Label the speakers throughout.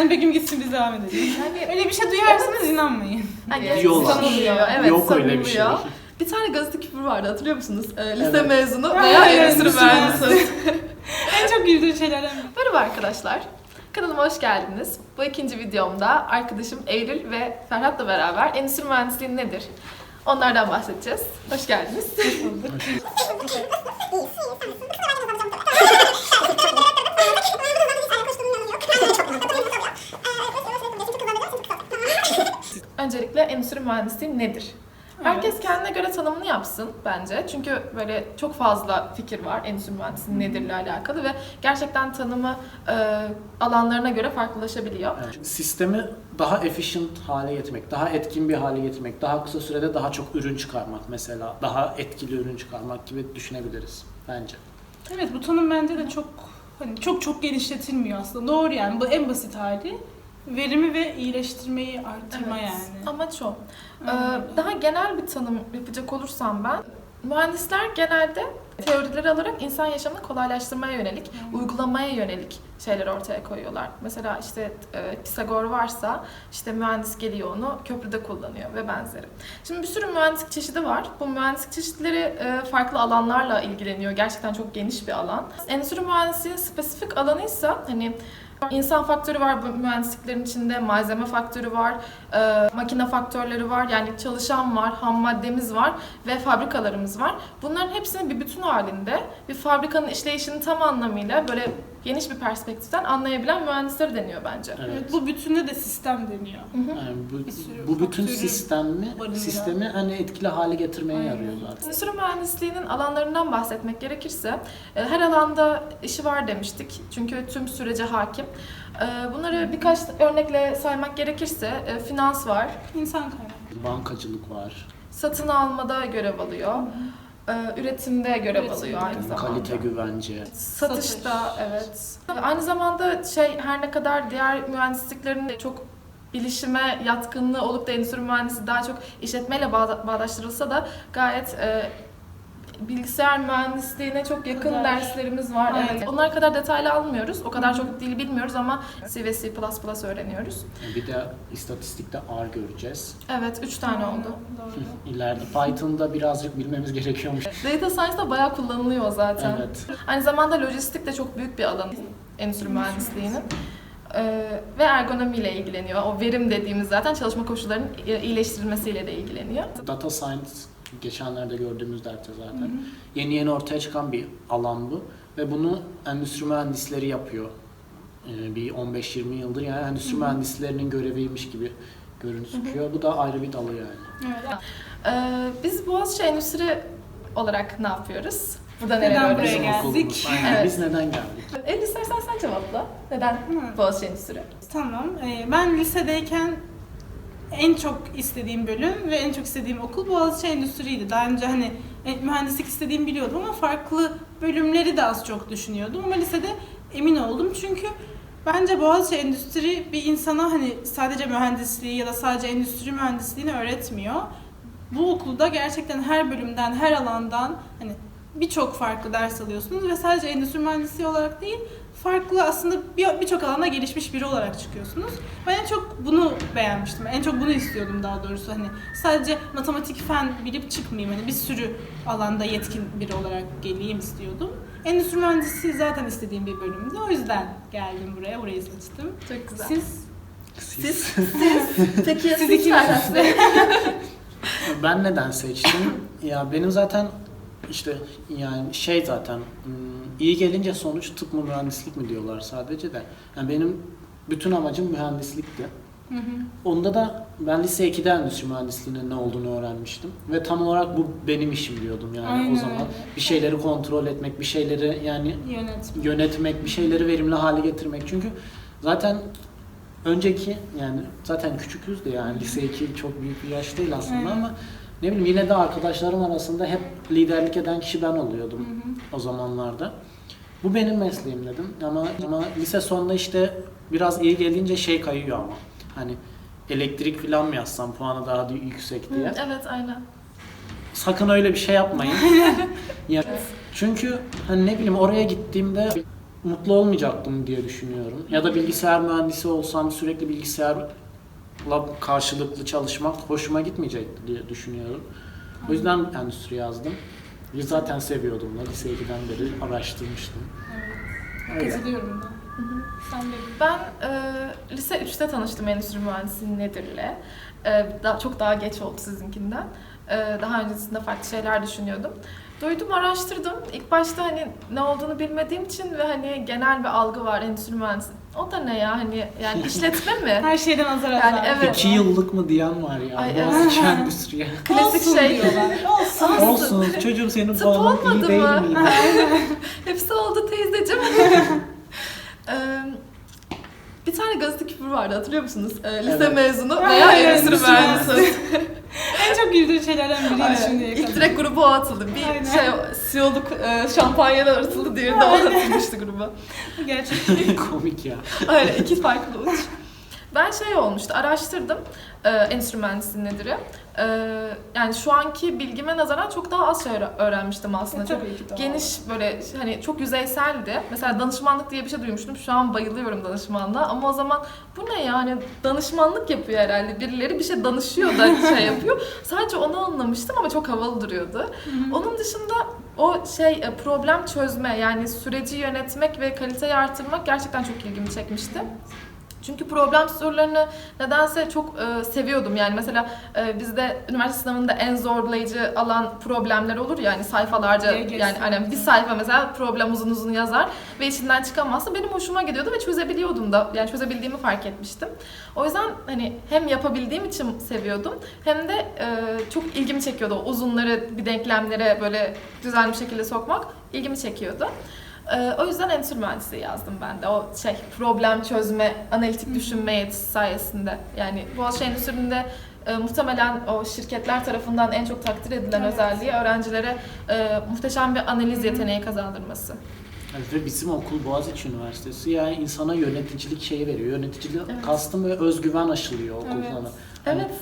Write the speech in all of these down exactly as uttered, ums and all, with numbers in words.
Speaker 1: Yani Begüm gitsin biz devam edelim. Yani öyle bir şey duyarsanız inanmayın.
Speaker 2: Yani
Speaker 3: Diyorlar.
Speaker 2: sanılıyor. Evet,
Speaker 3: Yok
Speaker 2: sanılıyor.
Speaker 3: öyle bir şey.
Speaker 2: Bir tane gazete küpürü vardı, hatırlıyor musunuz? Ee, lise
Speaker 3: Evet.
Speaker 2: mezunu
Speaker 1: Aynen,
Speaker 2: veya
Speaker 1: evet,
Speaker 2: endüstri
Speaker 1: endüstri
Speaker 2: mühendisi.
Speaker 1: En çok güldüğüm şeylerden biri.
Speaker 2: Merhaba arkadaşlar. Kanalıma hoş geldiniz. Bu ikinci videomda arkadaşım Eylül ve Ferhat'la beraber endüstri mühendisliği nedir? Onlardan bahsedeceğiz. Hoş geldiniz.
Speaker 1: Hoş bulduk.
Speaker 2: Öncelikle endüstri mühendisliği nedir? Herkes
Speaker 1: Evet.
Speaker 2: kendine göre tanımını yapsın bence. Çünkü böyle çok fazla fikir var endüstri mühendisliği nedirle alakalı ve gerçekten tanımı e, alanlarına göre farklılaşabiliyor.
Speaker 3: Yani sistemi daha efficient hale getirmek, daha etkin bir hale getirmek, daha kısa sürede daha çok ürün çıkarmak mesela, daha etkili ürün çıkarmak gibi düşünebiliriz bence.
Speaker 1: Evet, bu tanım bence de çok hani çok çok genişletilmiyor aslında. Doğru yani, bu en basit hali. Verimi ve iyileştirmeyi arttırma
Speaker 2: Evet,
Speaker 1: yani.
Speaker 2: amaç o. Ee,
Speaker 1: Aynen.
Speaker 2: daha genel bir tanım yapacak olursam ben, mühendisler genelde teorileri alarak insan yaşamını kolaylaştırmaya yönelik,
Speaker 1: Hmm.
Speaker 2: uygulamaya yönelik şeyler ortaya koyuyorlar. Mesela işte e, Pisagor varsa işte mühendis geliyor onu köprüde kullanıyor ve benzeri. Şimdi bir sürü mühendislik çeşidi var. Bu mühendislik çeşitleri e, farklı alanlarla ilgileniyor. Gerçekten çok geniş bir alan. Endüstri mühendisliğinin spesifik alanıysa hani İnsan faktörü var bu mühendisliklerin içinde, malzeme faktörü var, e, makine faktörleri var, yani çalışan var, ham maddemiz var ve fabrikalarımız var. Bunların hepsini bir bütün halinde bir fabrikanın işleyişini tam anlamıyla böyle geniş bir perspektiften anlayabilen mühendisleri deniyor bence.
Speaker 3: Evet.
Speaker 1: Evet, bu bütünde de sistem deniyor.
Speaker 3: Yani bu,
Speaker 1: Bir sürü
Speaker 3: bu bütün
Speaker 1: faktörü
Speaker 3: sistemi
Speaker 1: barındıran.
Speaker 3: sistemi hani etkili hale getirmeye
Speaker 1: Aynen.
Speaker 3: yarıyor zaten.
Speaker 2: Endüstri mühendisliğinin alanlarından bahsetmek gerekirse e, her alanda işi var demiştik. Çünkü tüm sürece hakim. E, Bunları birkaç örnekle saymak gerekirse e, finans var,
Speaker 1: İnsan kaynağı.
Speaker 3: Bankacılık var,
Speaker 2: satın almada görev alıyor, e, üretimde görev
Speaker 1: Üretimde.
Speaker 2: alıyor aynı zamanda.
Speaker 3: kalite güvence.
Speaker 2: Satışta,
Speaker 1: Satış.
Speaker 2: evet. Aynı zamanda şey, her ne kadar diğer mühendisliklerin de çok bilişime yatkınlığı olup da endüstri mühendisi daha çok işletmeyle bağda- bağdaştırılsa da gayet e, bilgisayar mühendisliğine çok yakın
Speaker 1: Kadar.
Speaker 2: derslerimiz var.
Speaker 1: Aynen.
Speaker 2: Evet. Onlar kadar detaylı almıyoruz. O kadar çok dil bilmiyoruz ama C ve C plus plus öğreniyoruz.
Speaker 3: Bir de istatistikte R göreceğiz.
Speaker 2: Evet, üç tane oldu.
Speaker 1: Doğru.
Speaker 3: İleride Python'da birazcık bilmemiz gerekiyormuş.
Speaker 2: Data Science'da bayağı kullanılıyor zaten.
Speaker 3: Evet.
Speaker 2: Aynı zamanda lojistik de çok büyük bir alan endüstri mühendisliğinin. Ee, ve ergonomiyle ilgileniyor. O verim dediğimiz zaten çalışma koşullarının iyileştirilmesiyle de ilgileniyor.
Speaker 3: Data Science geçenlerde gördüğümüz derste zaten.
Speaker 1: Hı hı.
Speaker 3: Yeni yeni ortaya çıkan bir alan bu ve bunu endüstri mühendisleri yapıyor. Ee, bir on beş yirmi yıldır yani endüstri
Speaker 1: Hı hı.
Speaker 3: mühendislerinin göreviymiş gibi gözüküyor. Bu da ayrı bir dalı yani.
Speaker 1: Evet.
Speaker 2: Ee, biz Boğaziçi Endüstri olarak ne yapıyoruz? Burada
Speaker 1: Neden
Speaker 2: neler
Speaker 1: buraya
Speaker 3: Bizim
Speaker 2: öğreniyoruz?
Speaker 1: geldik?
Speaker 3: okulumuz. Aynen.
Speaker 2: Evet.
Speaker 3: Biz neden geldik?
Speaker 2: El istersen sen cevapla. Neden
Speaker 1: Hı.
Speaker 2: Boğaziçi Endüstri?
Speaker 1: Tamam. Ee, ben lisedeyken en çok istediğim bölüm ve en çok istediğim okul Boğaziçi Endüstri'ydi. Daha önce hani e, mühendislik istediğimi biliyordum ama farklı bölümleri de az çok düşünüyordum. Ama lisede emin oldum çünkü bence Boğaziçi Endüstri bir insana hani sadece mühendisliği ya da sadece endüstri mühendisliğini öğretmiyor. Bu okulda gerçekten her bölümden, her alandan hani birçok farklı ders alıyorsunuz ve sadece endüstri mühendisliği olarak değil, farklı aslında bir- birçok alanda gelişmiş biri olarak çıkıyorsunuz. Ben en çok bunu beğenmiştim. En çok bunu istiyordum daha doğrusu. Hani sadece matematik, fen bilip çıkmayayım. Hani bir sürü alanda yetkin biri olarak geleyim istiyordum. Endüstri mühendisliği zaten istediğim bir bölümdü. O yüzden geldim buraya, burayı seçtim.
Speaker 2: Çok güzel.
Speaker 1: Siz?
Speaker 2: Siz? Siz? Peki ya
Speaker 1: Siz
Speaker 2: siz
Speaker 1: ikiniz.
Speaker 2: Ferhat Bey?
Speaker 3: Ben neden seçtim? Ya benim zaten işte yani şey zaten hmm, iyi gelince sonuç tıp mı mühendislik mi diyorlar sadece de. Yani benim bütün amacım mühendislikti.
Speaker 1: Hı hı.
Speaker 3: Onda da ben lise ikide endüstri mühendisliğinin ne olduğunu öğrenmiştim. Ve tam olarak bu benim işim diyordum yani
Speaker 1: Aynen
Speaker 3: o zaman.
Speaker 1: öyle.
Speaker 3: Bir şeyleri kontrol etmek, bir şeyleri yani
Speaker 1: Yönetmen.
Speaker 3: yönetmek, bir şeyleri verimli hale getirmek. Çünkü zaten önceki yani zaten küçüküz de yani lise iki çok büyük bir yaş değil aslında
Speaker 1: Aynen.
Speaker 3: ama ne bileyim yine de arkadaşlarım arasında hep liderlik eden kişi ben oluyordum
Speaker 1: Hı hı.
Speaker 3: o zamanlarda. Bu benim mesleğim dedim ama ama lise sonunda işte biraz iyi gelince şey kayıyor ama hani elektrik falan mı yazsam puanı daha yüksek diye.
Speaker 2: Hı, evet, aynen.
Speaker 3: Sakın öyle bir şey yapmayın. Ya, çünkü hani ne bileyim oraya gittiğimde mutlu olmayacaktım diye düşünüyorum. Ya da bilgisayar mühendisi olsam sürekli bilgisayarla karşılıklı çalışmak hoşuma gitmeyecekti diye düşünüyorum. O yüzden endüstri yazdım. Zaten seviyordum da lise ikiden beri araştırmıştım.
Speaker 1: Evet.
Speaker 3: Öyle.
Speaker 1: Katılıyorum ben. Sen de.
Speaker 2: Ben e, lise üçte tanıştım endüstri mühendisliği nedir'le. E, daha, çok daha geç oldu sizinkinden. E, daha öncesinde farklı şeyler düşünüyordum. Duydum, araştırdım. İlk başta hani ne olduğunu bilmediğim için ve hani genel bir algı var endüstri mühendisliği. O da ne ya hani yani işletme mi?
Speaker 1: Her şeyden azar azar.
Speaker 2: Yani evet.
Speaker 3: İki yıllık mı diyen var ya.
Speaker 2: Ay,
Speaker 3: Boğaziçi
Speaker 1: evet.
Speaker 3: endüstriye.
Speaker 2: Klasik
Speaker 1: Olsun
Speaker 2: şey.
Speaker 1: diyorlar. Olsun.
Speaker 3: Olsun çocuğum senin
Speaker 2: Tıp
Speaker 3: puanın iyi
Speaker 2: olmadı
Speaker 3: değil
Speaker 2: mı?
Speaker 3: miydi?
Speaker 2: Hepsi oldu teyzeciğim. Ee, bir tane gazete küpürü vardı, hatırlıyor musunuz? Ee, lise
Speaker 3: Evet.
Speaker 2: mezunu
Speaker 1: Ay,
Speaker 2: veya
Speaker 1: ay,
Speaker 2: endüstri
Speaker 1: endüstri
Speaker 2: mühendisi.
Speaker 1: En çok güldüğüm şeylerden biriydi
Speaker 2: Aynen.
Speaker 1: şimdiye kadar.
Speaker 2: İlk direkt gruba o atıldı. Bir
Speaker 1: Aynen.
Speaker 2: şey C E O'luk e, şampanyalar atıldı, diğeri de o atılmıştı gruba.
Speaker 1: Gerçekten.
Speaker 3: Komik ya.
Speaker 2: Aynen, iki farklı uç. Ben şey olmuştu, araştırdım e, endüstri mühendisliği nedir? E, yani şu anki bilgime nazaran çok daha az şey öğre- öğrenmiştim aslında. Çok
Speaker 1: Tabii ki doğal.
Speaker 2: geniş, böyle hani çok yüzeyseldi. Mesela danışmanlık diye bir şey duymuştum. Şu an bayılıyorum danışmanlığa ama o zaman bu ne yani, danışmanlık yapıyor herhalde. Birileri bir şey danışıyor da şey yapıyor. Sadece onu anlamıştım ama çok havalı duruyordu. Onun dışında o şey e, problem çözme, yani süreci yönetmek ve kaliteyi artırmak gerçekten çok ilgimi çekmişti. Çünkü problem sorularını nedense çok e, seviyordum. Yani mesela e, bizde üniversite sınavında en zorlayıcı alan problemler olur ya, yani sayfalarca,
Speaker 1: G G S.
Speaker 2: yani hani bir sayfa mesela problem uzun uzun yazar ve içinden çıkamazsa benim hoşuma gidiyordu ve çözebiliyordum da. Yani çözebildiğimi fark etmiştim. O yüzden hani hem yapabildiğim için seviyordum hem de e, çok ilgimi çekiyordu. O uzunları bir denklemlere böyle düzenli bir şekilde sokmak ilgimi çekiyordu. Ee, o yüzden endüstri mühendisliği yazdım ben de. O şey problem çözme, analitik düşünme yetisi sayesinde. Yani Boğaziçi Endüstri'nde e, muhtemelen o şirketler tarafından en çok takdir edilen
Speaker 1: Evet.
Speaker 2: özelliği öğrencilere e, muhteşem bir analiz yeteneği kazandırması.
Speaker 3: Evet, ve bizim okul Boğaziçi Üniversitesi yani insana yöneticilik şeyi veriyor. Yöneticilik
Speaker 2: Evet.
Speaker 3: kastım ve özgüven aşılıyor okul
Speaker 1: Evet.
Speaker 3: sana. Hani
Speaker 2: Evet.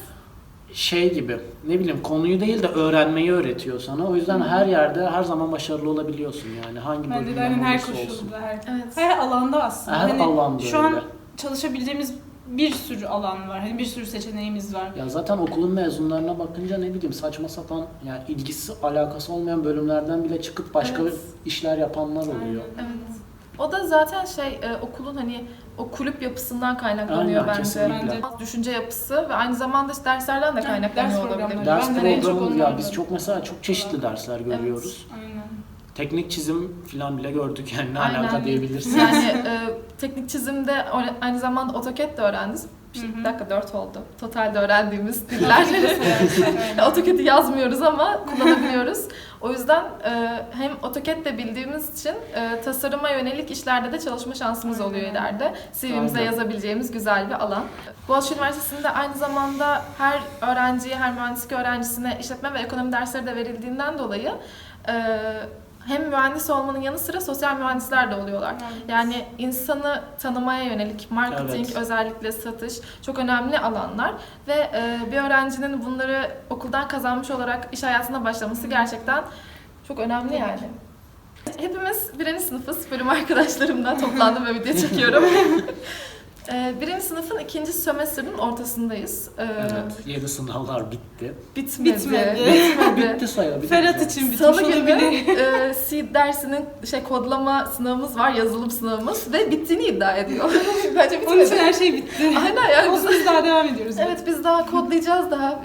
Speaker 3: şey gibi ne bileyim konuyu değil de öğrenmeyi öğretiyor sana. O yüzden her yerde her zaman başarılı olabiliyorsun yani hangi
Speaker 1: Bence de
Speaker 3: bölümden
Speaker 1: hani her
Speaker 3: olursa olsun.
Speaker 1: koşulda, her,
Speaker 2: Evet.
Speaker 1: her alanda aslında.
Speaker 3: Her
Speaker 1: hani
Speaker 3: alanda
Speaker 1: şu
Speaker 3: öyle.
Speaker 1: an çalışabileceğimiz bir sürü alan var. Hani bir sürü seçeneğimiz var.
Speaker 3: Ya zaten okulun mezunlarına bakınca ne bileyim saçma sapan yani ilgisi alakası olmayan bölümlerden bile çıkıp başka
Speaker 2: Evet.
Speaker 3: işler yapanlar oluyor.
Speaker 1: Aynen.
Speaker 2: Evet. O da zaten şey e, okulun hani o kulüp yapısından kaynaklanıyor
Speaker 3: Aynen,
Speaker 2: bence.
Speaker 3: kesinlikle.
Speaker 1: Bence.
Speaker 2: Düşünce yapısı ve aynı zamanda işte derslerden de
Speaker 1: Evet,
Speaker 2: kaynaklanıyor
Speaker 1: ders
Speaker 2: olabilir.
Speaker 1: programları.
Speaker 3: Ders
Speaker 1: Ben de en çok
Speaker 3: programı
Speaker 1: ondan
Speaker 3: ya biz
Speaker 1: da-
Speaker 3: çok mesela çok çeşitli dersler görüyoruz.
Speaker 1: Aynen.
Speaker 3: Teknik çizim falan bile gördük yani ne
Speaker 2: Aynen.
Speaker 3: alaka diyebilirsin.
Speaker 2: Yani e, teknik çizimde o- aynı zamanda AutoCAD de öğrendiniz. Bir,
Speaker 1: Hı hı.
Speaker 2: bir dakika dört oldu. Totalde öğrendiğimiz diller.
Speaker 1: Aynen.
Speaker 2: AutoCAD'i yazmıyoruz ama kullanabiliyoruz. O yüzden e, hem AutoCAD de bildiğimiz için e, tasarıma yönelik işlerde de çalışma şansımız
Speaker 1: Aynen.
Speaker 2: oluyor ileride. C V'mize
Speaker 3: Aynen.
Speaker 2: yazabileceğimiz güzel bir alan. Boğaziçi Üniversitesi'nde aynı zamanda her öğrenciye, her mühendislik öğrencisine işletme ve ekonomi dersleri de verildiğinden dolayı e, hem mühendis olmanın yanı sıra sosyal mühendisler de oluyorlar.
Speaker 1: Evet.
Speaker 2: Yani insanı tanımaya yönelik marketing,
Speaker 3: Evet.
Speaker 2: özellikle satış çok önemli alanlar ve e, bir öğrencinin bunları okuldan kazanmış olarak iş hayatına başlaması gerçekten çok önemli yani. Hepimiz birinci sınıfız, bölüm arkadaşlarımla toplandım ve video çekiyorum. E, birinci sınıfın ikinci sömestrinin ortasındayız. E,
Speaker 3: Evet, yeni sınavlar bitti.
Speaker 2: Bitmedi.
Speaker 1: Bitmedi.
Speaker 2: Bitmedi.
Speaker 3: Bitti sayılabilir.
Speaker 1: Ferhat
Speaker 3: yani.
Speaker 1: için bitmiş
Speaker 2: Salı günü
Speaker 1: olabilir.
Speaker 2: e, C dersinin şey kodlama sınavımız var, yazılım sınavımız ve bittiğini iddia ediyor. Bence
Speaker 1: Onun için
Speaker 2: bitmedi.
Speaker 1: her şey bitti.
Speaker 2: Aynen yani
Speaker 1: Olsun
Speaker 2: biz,
Speaker 1: biz daha devam ediyoruz.
Speaker 2: evet biz daha kodlayacağız daha.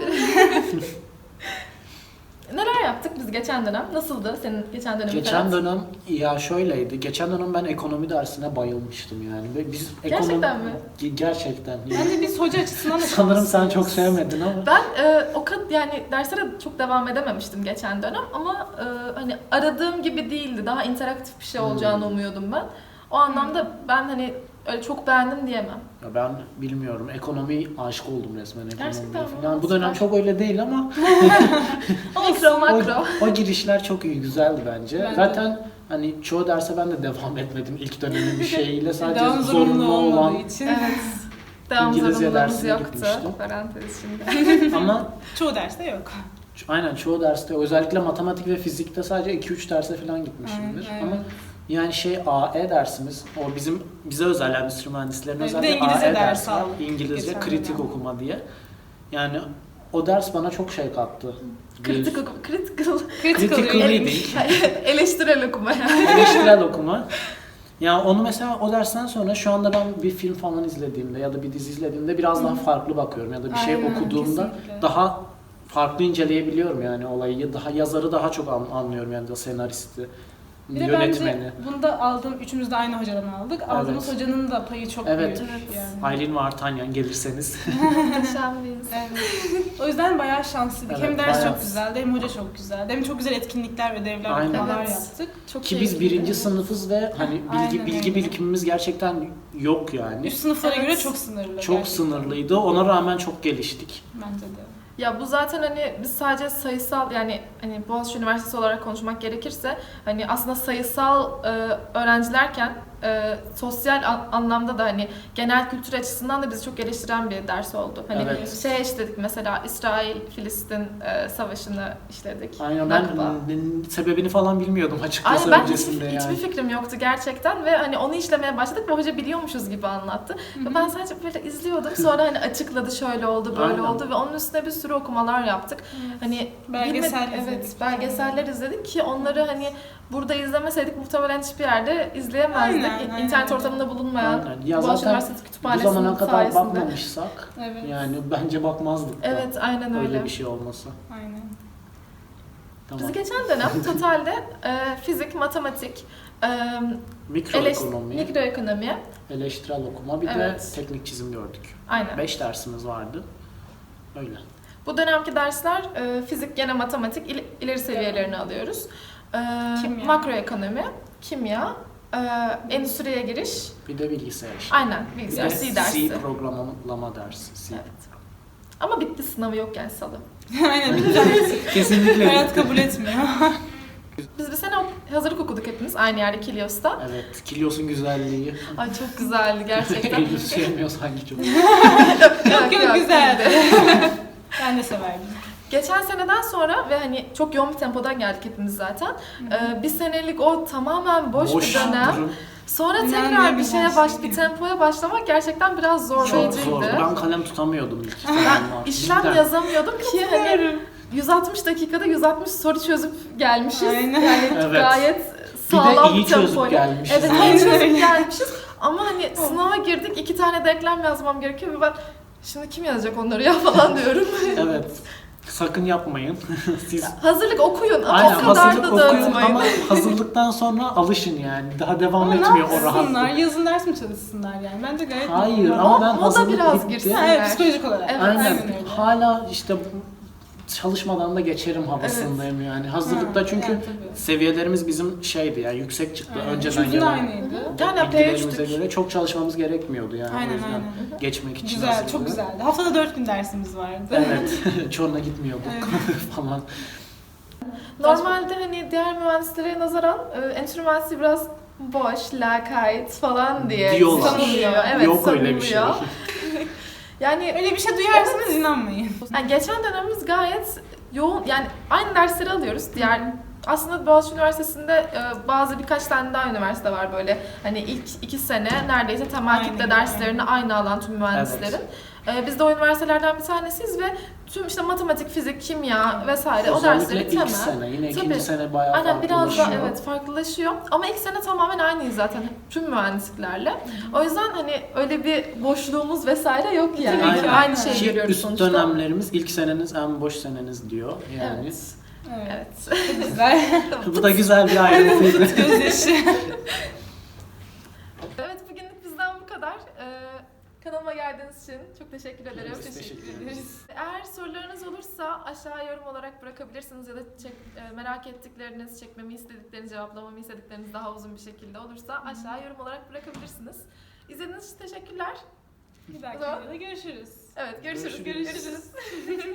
Speaker 2: Neler yaptık biz geçen dönem? Nasıldı senin geçen dönemin?
Speaker 3: Geçen
Speaker 2: Ferhat?
Speaker 3: dönem ya şöyleydi. Geçen dönem ben ekonomi dersine bayılmıştım yani. Ve biz
Speaker 2: Gerçekten
Speaker 3: ekonomi...
Speaker 2: mi?
Speaker 3: Ge- Gerçekten. Yani.
Speaker 1: Bence biz hoca açısından da
Speaker 3: Sanırım sen
Speaker 1: şanslıyız.
Speaker 3: çok sevmedin ama.
Speaker 2: Ben e, o kadar yani derslere çok devam edememiştim geçen dönem ama e, hani aradığım gibi değildi. Daha interaktif bir şey olacağını
Speaker 3: Hmm.
Speaker 2: umuyordum ben. O anlamda ben hani öyle çok beğendim diyemem.
Speaker 3: Ya ben bilmiyorum. Ekonomi aşık oldum resmen ekonomiye
Speaker 2: Gerçekten mi?
Speaker 3: falan. Bu dönem
Speaker 2: Süper.
Speaker 3: çok öyle değil ama
Speaker 2: Mikro
Speaker 3: o,
Speaker 2: makro.
Speaker 3: o girişler çok iyi, güzeldi bence.
Speaker 1: Bence
Speaker 3: Zaten hani çoğu derse ben de devam etmedim ilk dönemin bir şeyiyle. Sadece
Speaker 1: Devam
Speaker 3: zorunlu olan
Speaker 1: olmadığı için.
Speaker 2: Evet. Devam
Speaker 3: İngilizce
Speaker 2: zorunluluğumuz
Speaker 3: dersine
Speaker 2: yoktu.
Speaker 3: gitmiştim.
Speaker 2: Parantez şimdi.
Speaker 3: ama
Speaker 1: Çoğu derste yok.
Speaker 3: aynen çoğu derste özellikle matematik ve fizikte sadece iki üç derse falan gitmişimdir.
Speaker 1: Aynen,
Speaker 3: Ama
Speaker 1: aynen.
Speaker 3: Yani şey A E dersimiz, o bizim bize özel endüstri mühendislerine
Speaker 1: Evet,
Speaker 3: özel
Speaker 1: bir de
Speaker 3: bir
Speaker 1: İngilizce
Speaker 3: A E
Speaker 1: dersi
Speaker 3: dersi var.
Speaker 1: aldık
Speaker 3: İngilizce
Speaker 1: geçen
Speaker 3: kritik
Speaker 1: dönem.
Speaker 3: okuma diye. Yani o ders bana çok şey kattı.
Speaker 2: Kritik
Speaker 3: Bir-
Speaker 2: okum, critical,
Speaker 1: Critical
Speaker 3: Critical
Speaker 1: reading.
Speaker 3: reading.
Speaker 2: eleştirel okuma yani.
Speaker 3: Eleştirel okuma. Ya onu mesela o dersten sonra şu anda ben bir film falan izlediğimde ya da bir dizi izlediğimde biraz daha farklı bakıyorum ya da bir şey
Speaker 1: Aynen,
Speaker 3: okuduğumda
Speaker 1: kesinlikle.
Speaker 3: daha farklı inceleyebiliyorum yani olayı. Daha yazarı daha çok an- anlıyorum yani da senaristi,
Speaker 1: Bir de
Speaker 3: yönetmeni.
Speaker 1: bence bunda aldığım, üçümüz de aynı hocadan aldık. Aldığımız
Speaker 3: Evet.
Speaker 1: hocanın da payı çok
Speaker 3: Evet.
Speaker 1: büyük.
Speaker 2: Evet.
Speaker 1: Yani.
Speaker 3: Aylin ve Artanyan gelirseniz.
Speaker 2: Muhteşem bir insan.
Speaker 1: Evet. O yüzden bayağı şanslıydık.
Speaker 3: Evet,
Speaker 1: hem ders
Speaker 3: bayağı.
Speaker 1: çok güzeldi, hem hoca çok güzeldi. Hem çok güzel etkinlikler ve ödevler,
Speaker 3: Aynen.
Speaker 1: okumalar
Speaker 2: Evet.
Speaker 1: yaptık. Çok
Speaker 3: Ki biz
Speaker 1: keyifliydi.
Speaker 3: birinci sınıfız ve hani bilgi
Speaker 1: Aynen
Speaker 3: bilgi
Speaker 1: öyle.
Speaker 3: birikimimiz gerçekten yok yani.
Speaker 1: Üst sınıflara
Speaker 2: Evet.
Speaker 1: göre çok sınırlı.
Speaker 3: Çok
Speaker 1: gerçekten.
Speaker 3: sınırlıydı. Ona rağmen çok geliştik.
Speaker 1: Bence de.
Speaker 2: Ya bu zaten hani biz sadece sayısal yani hani Boğaziçi Üniversitesi olarak konuşmak gerekirse hani aslında sayısal e, öğrencilerken e, sosyal an- anlamda da hani genel kültür açısından da bizi çok geliştiren bir ders oldu. Hani
Speaker 3: Evet.
Speaker 2: şey işledik mesela İsrail-Filistin e, savaşını işledik.
Speaker 3: Aynen ben
Speaker 2: Nakba.
Speaker 3: n- sebebini falan bilmiyordum açıkçası
Speaker 2: Aynen ben
Speaker 3: öncesinde
Speaker 2: hiçbir,
Speaker 3: yani.
Speaker 2: hiçbir fikrim yoktu gerçekten ve hani onu işlemeye başladık ve hoca biliyormuşuz gibi anlattı. Ve ben sadece böyle izliyordum. Sonra hani açıkladı şöyle oldu böyle
Speaker 3: Aynen.
Speaker 2: oldu ve onun üstüne bir sürü okumalar yaptık. Hani
Speaker 1: Belgesel
Speaker 2: bilmedi-
Speaker 1: izledik.
Speaker 2: Evet, belgeseller izledik ki onları hani burada izlemeseydik muhtemelen hiçbir yerde izleyemezdik.
Speaker 1: Aynen, aynen
Speaker 2: İnternet
Speaker 1: öyle.
Speaker 2: ortamında bulunmayan
Speaker 3: Aynen. Ya
Speaker 2: Boğaziçi
Speaker 3: zaten
Speaker 2: Üniversitesi
Speaker 3: bu
Speaker 2: Kütüphanesi'nin
Speaker 3: zamana kadar
Speaker 2: sayesinde.
Speaker 3: bakmamışsak
Speaker 1: Evet.
Speaker 3: yani bence bakmazdık da.
Speaker 2: Evet, aynen öyle.
Speaker 3: Öyle bir şey olmasa.
Speaker 1: Aynen.
Speaker 3: Tamam.
Speaker 2: Biz geçen dönem totalde e, fizik, matematik, e,
Speaker 3: Mikroekonomi,
Speaker 2: eleş- mikroekonomi,
Speaker 3: eleştirel okuma bir
Speaker 2: Evet.
Speaker 3: de teknik çizim gördük.
Speaker 2: aynen.
Speaker 3: Beş dersimiz vardı. Öyle.
Speaker 2: Bu dönemki dersler e, fizik, gene matematik, il- ileri seviyelerini alıyoruz. E,
Speaker 1: Kimya.
Speaker 2: Makroekonomi, kimya, e, endüstriye giriş,
Speaker 3: Bir de bilgisayar işte.
Speaker 2: aynen
Speaker 3: Bir
Speaker 2: bilgisayar
Speaker 3: de
Speaker 2: C dersi.
Speaker 3: C programlama dersi. C.
Speaker 2: Evet. Ama bitti, sınavı yok yani salı.
Speaker 1: Aynen. Bitti artık.
Speaker 3: Kesinlikle.
Speaker 1: Hayat kabul etmiyor.
Speaker 2: Biz bir sene ok- hazırlık okuduk hepimiz aynı yerde Kilios'ta.
Speaker 3: Evet. Kilios'un güzelliği.
Speaker 2: Ay çok güzeldi gerçekten.
Speaker 3: Eylül sevmiyor sanki çok.
Speaker 1: Yok yok güzeldi.
Speaker 2: değildi.
Speaker 1: Ben de severdim.
Speaker 2: Geçen seneden sonra ve hani çok yoğun bir tempodan geldik hepimiz zaten. Ee, bir senelik o tamamen boş, bir dönem.
Speaker 3: durum.
Speaker 2: Sonra
Speaker 1: İnan
Speaker 2: tekrar
Speaker 1: ne
Speaker 2: bir
Speaker 1: güzel
Speaker 2: şeye baş,
Speaker 1: şey.
Speaker 2: bir tempoya başlamak gerçekten biraz
Speaker 3: Çok
Speaker 2: zorlayıcıydı.
Speaker 3: zordu. Ben kalem tutamıyordum ilk
Speaker 2: Ben
Speaker 3: zamanlar.
Speaker 2: işlem
Speaker 3: Cidden.
Speaker 2: yazamıyordum ki hani
Speaker 1: Severim.
Speaker 2: yüz altmış dakikada yüz altmış soru çözüp gelmişiz.
Speaker 1: Aynen.
Speaker 2: Yani
Speaker 3: Evet.
Speaker 2: gayet
Speaker 3: Bir de
Speaker 2: sağlam
Speaker 3: iyi
Speaker 2: bir
Speaker 3: çözüp
Speaker 2: tempoyla.
Speaker 3: gelmişiz.
Speaker 2: Evet,
Speaker 1: Aynen
Speaker 2: iyi çözüp
Speaker 1: öyle.
Speaker 2: gelmişiz. Ama hani sınava girdik, iki tane denklem yazmam gerekiyor ve ben şimdi kim yazacak onları ya falan diyorum.
Speaker 3: Evet. Sakın yapmayın. Siz
Speaker 2: Hazırlık okuyun ama
Speaker 3: aynen
Speaker 2: o kadar
Speaker 3: hazırlık
Speaker 2: da
Speaker 3: okuyun
Speaker 2: dağıtmayın.
Speaker 3: ama hazırlıktan sonra alışın yani. Daha devam
Speaker 1: Ama ne
Speaker 3: etmiyor o
Speaker 1: yapsınlar?
Speaker 3: rahatlık.
Speaker 1: Yazın ders mi çalışsınlar yani? Bence gayet
Speaker 3: Hayır
Speaker 1: normal.
Speaker 3: ama ben
Speaker 2: O da
Speaker 3: hazırlık
Speaker 2: biraz
Speaker 3: bitti.
Speaker 2: girsin.
Speaker 1: Ha, evet, psikolojik olarak.
Speaker 2: Evet,
Speaker 3: Aynen.
Speaker 1: Aynen öyle.
Speaker 3: Hala işte çalışmadan da geçerim havasındayım yani. Hazırlıkta
Speaker 1: Ha,
Speaker 3: çünkü
Speaker 1: yani tabii.
Speaker 3: seviyelerimiz bizim şeydi yani yüksek çıktı.
Speaker 1: Aynen.
Speaker 3: Önceden
Speaker 1: Üçümüzün
Speaker 3: gelen
Speaker 1: aynıydı.
Speaker 2: Yani
Speaker 3: bilgilerimize
Speaker 2: P üç'tük.
Speaker 3: göre çok çalışmamız gerekmiyordu yani. O
Speaker 1: Aynen
Speaker 3: yüzden
Speaker 1: aynen.
Speaker 3: geçmek için.
Speaker 1: Güzel,
Speaker 3: hazırlığı.
Speaker 1: çok güzeldi. Haftada dört gün dersimiz vardı.
Speaker 3: Evet. Çorna gitmiyorduk falan.
Speaker 2: Normalde hani diğer mühendislere nazaran e, endüstri mühendisliği biraz boş, lakayt falan diye
Speaker 3: Diyorlar.
Speaker 2: sanılıyor. Evet,
Speaker 3: Yok öyle bir şey.
Speaker 2: sanılıyor. Yani
Speaker 1: Öyle bir şey duyarsanız inanmayın.
Speaker 2: Yani geçen dönemimiz gayet yoğun, yani aynı dersleri alıyoruz. Diğer aslında Boğaziçi Üniversitesi'nde e, bazı birkaç tane daha üniversite var böyle. Hani ilk iki sene neredeyse temel
Speaker 1: Aynen,
Speaker 2: kitle derslerini aynı alan tüm mühendislerin. E, biz de o üniversitelerden bir tanesiyiz ve tüm işte matematik, fizik, kimya vesaire o dersleri
Speaker 3: Özellikle ilk
Speaker 2: temel.
Speaker 3: sene. Yine
Speaker 2: Tabii.
Speaker 3: ikinci sene bayağı
Speaker 2: Aynen biraz
Speaker 3: farklılaşıyor.
Speaker 2: da evet farklılaşıyor. Ama ilk sene tamamen aynıyız zaten tüm mühendisliklerle. O yüzden hani öyle bir boşluğumuz vesaire yok yani.
Speaker 1: Tabii ki,
Speaker 2: Aynı
Speaker 1: aynen.
Speaker 2: şeyi
Speaker 3: Ki
Speaker 2: görüyoruz
Speaker 3: üst
Speaker 2: sonuçta.
Speaker 3: dönemlerimiz ilk seneniz en boş seneniz diyor yani.
Speaker 2: Evet.
Speaker 1: Evet.
Speaker 2: Evet.
Speaker 1: Çok güzel.
Speaker 3: Bu da güzel bir ayrıntıydı.
Speaker 1: Gözyaşı.
Speaker 2: Evet, bugünlük bizden bu kadar. Ee, kanalıma geldiğiniz için çok teşekkür ederim.
Speaker 3: Biz teşekkür ederiz.
Speaker 2: Eğer sorularınız olursa aşağı yorum olarak bırakabilirsiniz ya da çek, e, merak ettikleriniz, çekmemi istedikleriniz, cevaplamamı istedikleriniz daha uzun bir şekilde olursa aşağı yorum olarak bırakabilirsiniz. İzlediğiniz için teşekkürler.
Speaker 1: Bir dahaki
Speaker 2: O zaman-
Speaker 1: videoda görüşürüz.
Speaker 2: Evet, görüşürüz.
Speaker 3: Görüşürüz.
Speaker 2: görüşürüz.